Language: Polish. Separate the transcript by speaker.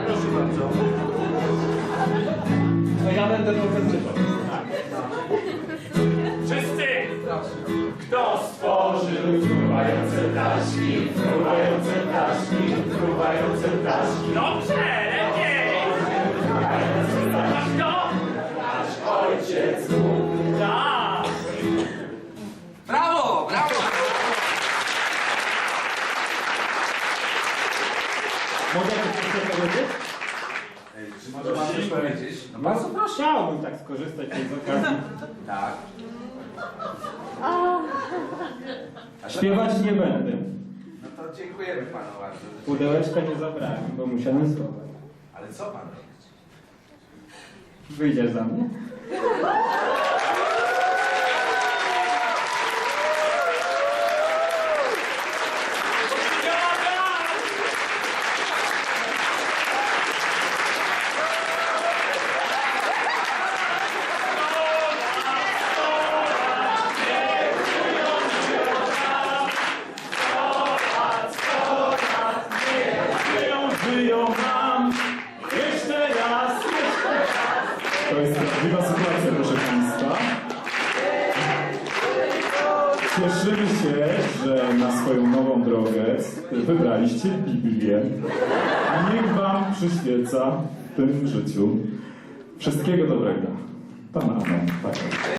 Speaker 1: Proszę bardzo.
Speaker 2: No ja będę pokazywał.
Speaker 3: Wszyscy! Kto stworzył fruwające ptaszki, fruwające ptaszki, fruwające ptaszki? Dobrze, lepiej! A kto? Nasz ojciec Bóg. Tak!
Speaker 1: Brawo, brawo!
Speaker 2: Mogę coś powiedzieć?
Speaker 1: Czy może pan coś powiedzieć? No
Speaker 2: Bardzo proszę. Chciałbym tak skorzystać z okazji.
Speaker 1: tak.
Speaker 2: Śpiewać nie będę.
Speaker 1: No to dziękujemy panu bardzo.
Speaker 2: Pudełeczka nie zabrałem, bo musiałem schować.
Speaker 1: Ale co pan robi?
Speaker 2: Wyjdziesz za mnie? Żyją nam jeszcze raz. To jest prawdziwa sytuacja, proszę Państwa. Cieszymy się, że na swoją nową drogę wybraliście Biblię. Niech Wam przyświeca w tym życiu. Wszystkiego dobrego. Pan Amen. Tak.